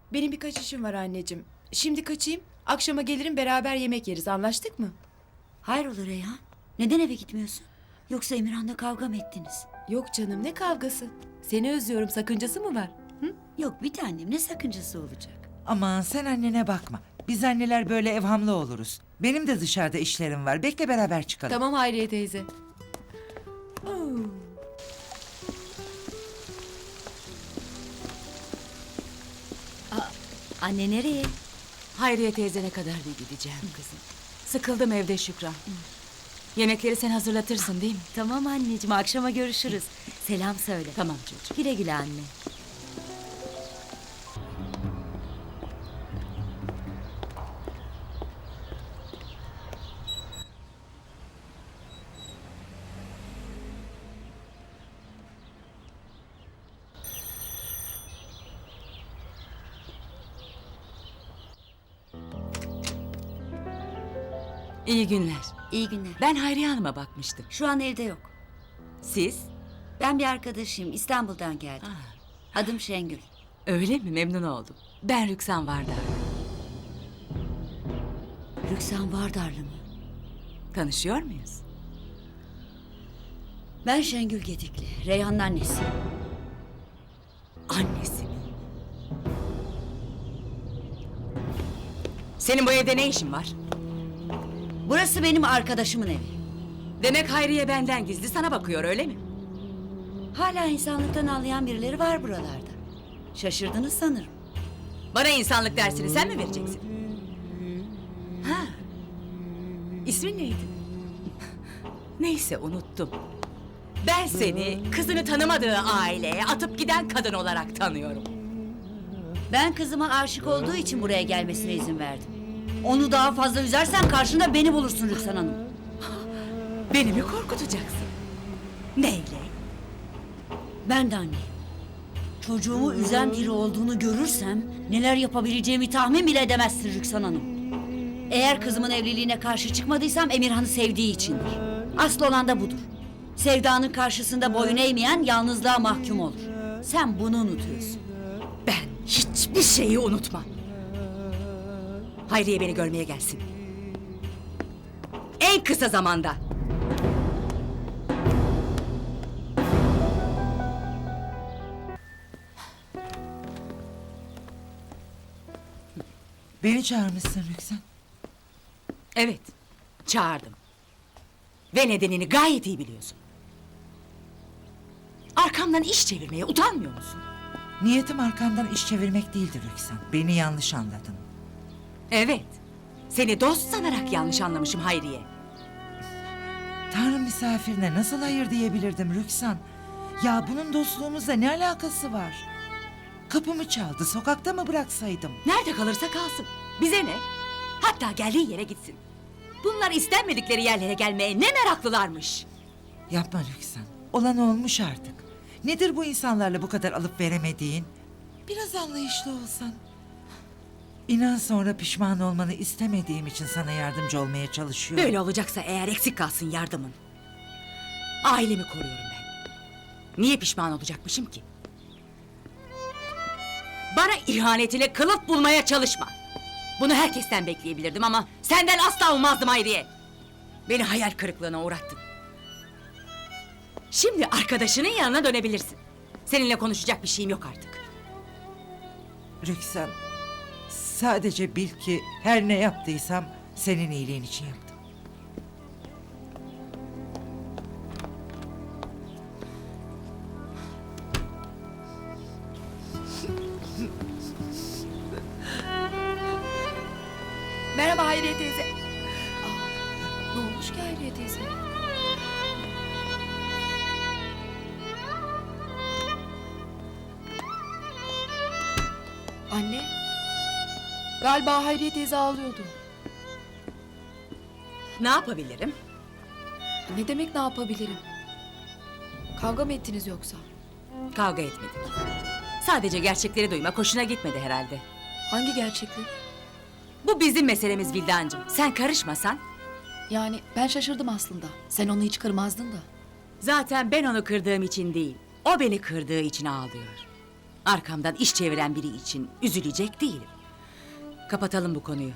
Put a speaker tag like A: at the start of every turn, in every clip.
A: Benim birkaç işim var anneciğim. Şimdi kaçayım. Akşama gelirim beraber yemek yeriz. Anlaştık mı?
B: Hayrola Reyhan? Neden eve gitmiyorsun? Yoksa Emirhan'la kavga mı ettiniz?
A: Yok canım, ne kavgası? Seni özlüyorum, sakıncası mı var? Hı?
B: Yok bir tanem, ne sakıncası olacak?
C: Aman sen annene bakma. Biz anneler böyle evhamlı oluruz. Benim de dışarıda işlerim var. Bekle beraber çıkalım.
A: Tamam Hayriye teyze. Oo.
B: Anne nereye?
D: Hayriye teyzene kadar bir gideceğim kızım. Sıkıldım evde Şükran. Yemekleri sen hazırlatırsın değil mi?
B: Tamam anneciğim, akşama görüşürüz. Selam söyle.
D: Tamam çocuğum.
B: Güle güle anne.
D: İyi günler.
B: İyi günler.
D: Ben Hayriye Hanım'a bakmıştım.
B: Şu an evde yok.
D: Siz?
B: Ben bir arkadaşıyım, İstanbul'dan geldim. Adım Şengül.
D: Öyle mi? Memnun oldum. Ben Rüksan Vardar.
B: Rüksan Vardarlı mı?
D: Tanışıyor muyuz?
B: Ben Şengül Gedikli, Reyhan'ın annesi.
D: Annesi mi? Senin bu evde ne işin var?
B: Burası benim arkadaşımın evi.
D: Demek Hayriye benden gizli sana bakıyor öyle mi?
B: Hala insanlıktan anlayan birileri var buralarda. Şaşırdınız sanırım.
D: Bana insanlık dersini sen mi vereceksin? Ha. İsmin neydi? Neyse unuttum. Ben seni kızını tanımadığı aileye atıp giden kadın olarak tanıyorum.
B: Ben kızıma aşık olduğu için buraya gelmesine izin verdim. Onu daha fazla üzersen karşında beni bulursun Rüksan Hanım.
D: Beni mi korkutacaksın? Neyle?
B: Ben de anneyim. Çocuğumu üzen biri olduğunu görürsem neler yapabileceğimi tahmin bile edemezsin Rüksan Hanım. Eğer kızımın evliliğine karşı çıkmadıysam Emirhan'ı sevdiği içindir. Asıl olan da budur. Sevdanın karşısında boyun eğmeyen yalnızlığa mahkum olur. Sen bunu unutuyorsun.
D: Ben hiçbir şeyi unutmam. Hayriye beni görmeye gelsin. En kısa zamanda.
C: Beni çağırmışsın Rüksan.
D: Evet, çağırdım. Ve nedenini gayet iyi biliyorsun. Arkamdan iş çevirmeye utanmıyor musun?
C: Niyetim arkandan iş çevirmek değildir Rüksan. Beni yanlış anladın.
D: Evet, seni dost sanarak yanlış anlamışım Hayriye.
C: Tanrı misafirine nasıl hayır diyebilirdim Rüksan? Ya bunun dostluğumuzla ne alakası var? Kapımı çaldı, sokakta mı bıraksaydım?
D: Nerede kalırsa kalsın. Bize ne? Hatta geldiği yere gitsin. Bunlar istenmedikleri yerlere gelmeye ne meraklılarmış.
C: Yapma Rüksan. Olan olmuş artık. Nedir bu insanlarla bu kadar alıp veremediğin? Biraz anlayışlı olsan. İnan sonra pişman olmanı istemediğim için sana yardımcı olmaya çalışıyorum.
D: Böyle olacaksa eğer eksik kalsın yardımın. Ailemi koruyorum ben. Niye pişman olacakmışım ki? Bana ihanetine kılıf bulmaya çalışma. Bunu herkesten bekleyebilirdim ama senden asla olmazdım Hayriye. Beni hayal kırıklığına uğrattın. Şimdi arkadaşının yanına dönebilirsin. Seninle konuşacak bir şeyim yok artık.
C: Rüksan, sadece bil ki her ne yaptıysam senin iyiliğin için yaptım.
A: Merhaba Hayriye teyze. Aa, ne olmuş ki Hayriye teyze? Anne. Galiba Hayriye teyze ağlıyordu.
D: Ne yapabilirim?
A: Ne demek ne yapabilirim? Kavga mı ettiniz yoksa?
D: Kavga etmedik. Sadece gerçekleri duymak hoşuna gitmedi herhalde.
A: Hangi gerçeklik?
D: Bu bizim meselemiz Vildancığım. Sen karışmasan.
A: Yani ben şaşırdım aslında. Sen onu hiç kırmazdın da.
D: Zaten ben onu kırdığım için değil, o beni kırdığı için ağlıyor. Arkamdan iş çeviren biri için üzülecek değilim. Kapatalım bu konuyu.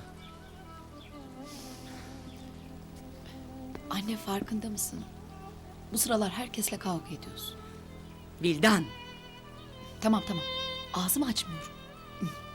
E: Anne farkında mısın? Bu sıralar herkesle kavga ediyorsun.
D: Vildan,
E: Tamam. Ağzımı açmıyorum.